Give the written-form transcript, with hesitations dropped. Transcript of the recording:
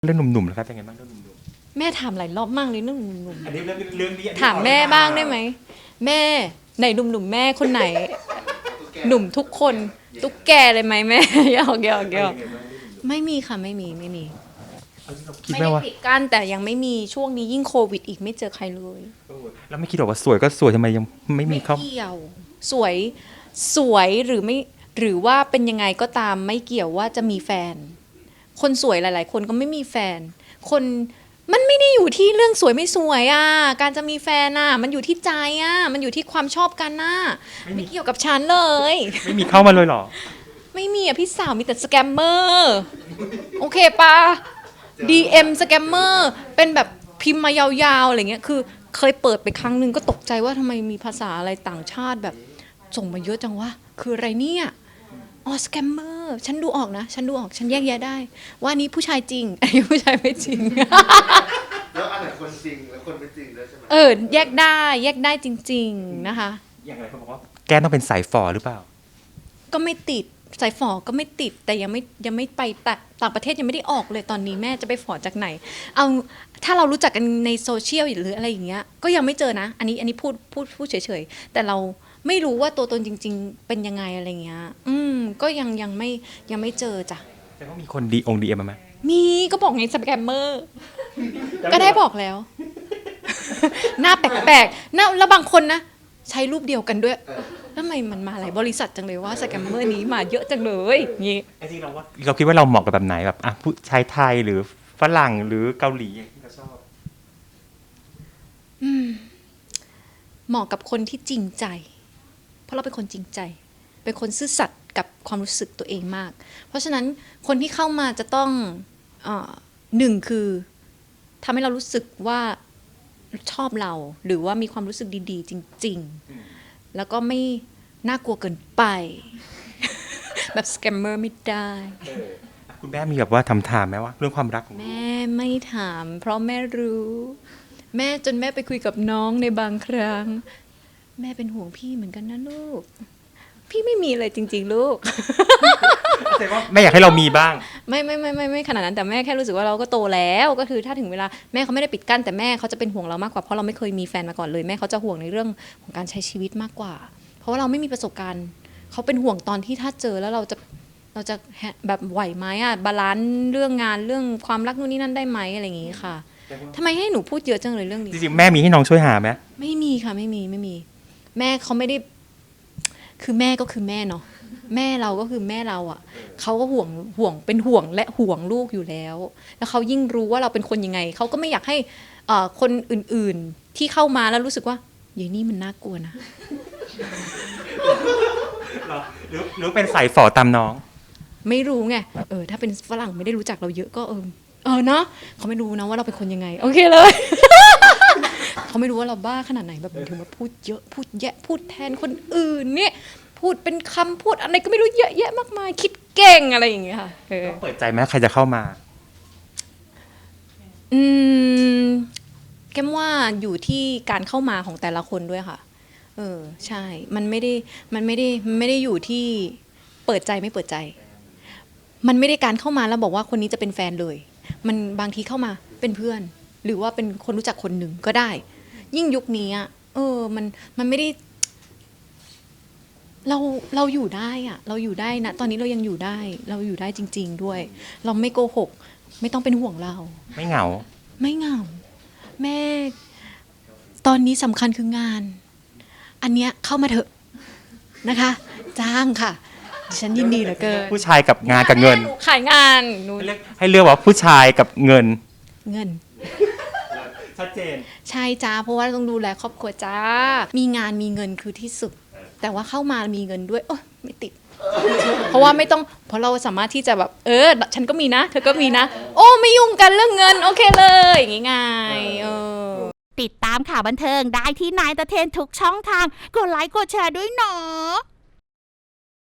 เรื่องหนุ่มๆนะครับเป็นไงบ้างเรื่องหนุ่มแม่ถามหลายรอบมากเลยเรื่องหนุ่มๆอันนี้เรื่องนี้ๆถามแม่บ้างได้ไหมแม่ไหนหนุ่มๆแม่คนไหน หนุ่มทุกคนตุ๊กแกเลยไหมแม่หยอกไม่มีค่ะไม่มีคิดไม่ไหมได้ว่าปิดกั้นแต่ยังไม่มีช่วงนี้ยิ่งโควิดอีกไม่เจอใครเลยแล้วไม่คิดหรอกว่าสวยก็สวยทำไมยังไม่มีเขาเกี่ยวสวยหรือไม่หรือว่าเป็นยังไงก็ตามไม่เกี่ยวว่าจะมีแฟน คนสวยหลายๆคนก็ไม่มีแฟน คนมันไม่ได้อยู่ที่เรื่องสวยไม่สวยอ่ะการจะมีแฟนอ่ะมันอยู่ที่ใจอ่ะมันอยู่ที่ความชอบกันน่ะไม่เกี่ยวกับฉันเลยไม่มีเข้ามาเลยเหรอไม่มีอ่ะพี่สาวมีแต่สแกมเมอร์โอเคปะ DM สแกมเมอร์เป็นแบบพิมพ์มายาวๆอะไรเงี้ยคือเคยเปิดไปครั้งหนึ่งก็ตกใจว่าทำไมมีภาษาอะไรต่างชาติแบบส่งมาเยอะจังวะคืออะไรเนี่ยอ๋อสแกมเมอร์ฉันดูออกนะฉันดูออกฉันแยกแยะได้ว่าอันนี้ผู้ชายจริงอันนี้ผู้ชายไม่จริงแล้วอันไหนคนจริงแล้วคนไม่จริงด้วยใช่ไหมแยกได้จริงๆนะคะอย่างไรเขาบอกว่าแกต้องเป็นสายฝ่อหรือเปล่าก็ไม่ติดสายฝอก็ไม่ติดแต่ยังไม่ไปต่างประเทศยังไม่ได้ออกเลยตอนนี้แม่จะไปฝอจากไหนเอาถ้าเรารู้จักกันในโซเชียลหรืออะไรอย่างเงี้ยก็ยังไม่เจอนะอันนี้พูดเฉยๆแต่เราไม่รู้ว่าตัวตนจริงๆเป็นยังไงอะไรเงี้ยก็ยังไม่เจอจ้ะแต่ว่ามีคนดีเอ็มมาไหมมีก็บอกไงสแกมเมอร์ก็ได้บอกแล้ว หน้าแปลกๆหน้าแล้วบางคนนะใช้รูปเดียวกันด้วยแล้วทำไมมันมาหลายบริษัทจังเลยว่าสแกมเมอร์นี้มาเยอะจังเลยงี้จริงเราคิดว่าเราเหมาะกับแบบไหนแบบอ่ะผู้ชายไทยหรือฝรั่งหรือเกาหลีอย่างที่เราชอบเหมาะกับคนที่จริงใจเพราะเราเป็นคนจริงใจเป็นคนซื่อสัตย์กับความรู้สึกตัวเองมากเพราะฉะนั้นคนที่เข้ามาจะต้องหนึ่งคือทำให้เรารู้สึกว่าชอบเราหรือว่ามีความรู้สึกดีๆจริงๆแล้วก็ไม่น่ากลัวเกินไป แบบสแกมเมอร์ไม่ได้คุณแม่มีแบบว่าถามไหมว่าเรื่องความรักของแม่ไม่ถามเพราะแม่รู้แม่จนแม่ไปคุยกับน้องในบางครั้งแม่เป็นห่วงพี่เหมือนกันนะลูกพี่ไม่มีเลยจริงๆลูกแต่ว่าแม่อยากให้เรามีบ้างไม่ขนาดนั้นแต่แม่แค่รู้สึกว่าเราก็โตแล้วก็คือถ้าถึงเวลาแม่เขาไม่ได้ปิดกั้นแต่แม่เขาจะเป็นห่วงเรามากกว่าเพราะเราไม่เคยมีแฟนมาก่อนเลยแม่เขาจะห่วงในเรื่องของการใช้ชีวิตมากกว่าเพราะว่าเราไม่มีประสบการณ์เขาเป็นห่วงตอนที่ถ้าเจอแล้วเราจะแบบไหวไหมอ่ะบาลานซ์เรื่องงานเรื่องความรักนู่นนี่นั่นได้ไหมอะไรอย่างงี้ค่ะทำไมให้หนูพูดเยอะจังเลยเรื่องนี้จริงๆแม่มีให้น้องช่วยหาไหมไม่มีค่ะไม่มีแม่เขาไม่ได้คือแม่ก็คือแม่เนาะแม่เราก็คือแม่เราอ่ะเขาก็ห่วงเป็นห่วงและห่วงลูกอยู่แล้วแล้วเขายิ่งรู้ว่าเราเป็นคนยังไงเขาก็ไม่อยากให้คนอื่นๆที่เข้ามาแล้วรู้สึกว่าอย่างนี้มันน่ากลัวนะหรือเป็นสายฝ่อตามน้องไม่รู้ไงถ้าเป็นฝรั่งไม่ได้รู้จักเราเยอะก็เนาะเขาไม่รู้นะว่าเราเป็นคนยังไงโอเคเลย เขาไม่รู้ว่าเราบ้าขนาดไหนแบบถึงมาพูดเยอะพูดแยะพูดแทนคนอื่นเนี่ยพูดเป็นคำพูดอะไรก็ไม่รู้เยอะแยะมากมายคิดเก่งอะไรอย่างเงี้ยค่ะเปิดใจไหมใครจะเข้ามาแก้มว่าอยู่ที่การเข้ามาของแต่ละคนด้วยค่ะใช่มันไม่ได้อยู่ที่เปิดใจไม่เปิดใจมันไม่ได้การเข้ามาแล้วบอกว่าคนนี้จะเป็นแฟนเลยมันบางทีเข้ามาเป็นเพื่อนหรือว่าเป็นคนรู้จักคนหนึ่งก็ได้ยิ่งยุคนี้อ่ะมันไม่ได้เราอยู่ได้อ่ะเราอยู่ได้นะตอนนี้เรายังอยู่ได้เราอยู่ได้จริงๆด้วยเราไม่โกหกไม่ต้องเป็นห่วงเราไม่เหงาแม่ตอนนี้สำคัญคืองานอันเนี้ยเข้ามาเถอะนะคะจ้างค่ะฉันยินดีเหลือเกินผู้ชายกับงานกับเงินขายงานให้เลือกว่าผู้ชายกับเงินชัดเจนใช่จ้าเพราะว่าต้องดูแลครอบครัวจ้ามีงานมีเงินคือที่สุดแต่ว่าเข้ามามีเงินด้วยไม่ติดเพราะว่าไม่ต้องเพราะเราสามารถที่จะแบบฉันก็มีนะเธอก็มีนะไม่ยุ่งกันเรื่องเงินโอเคเลยอย่างงี้ไงติดตามข่าวบันเทิงได้ที่นายตะเทนทุกช่องทางกดไลค์กดแชร์ด้วยเนาะ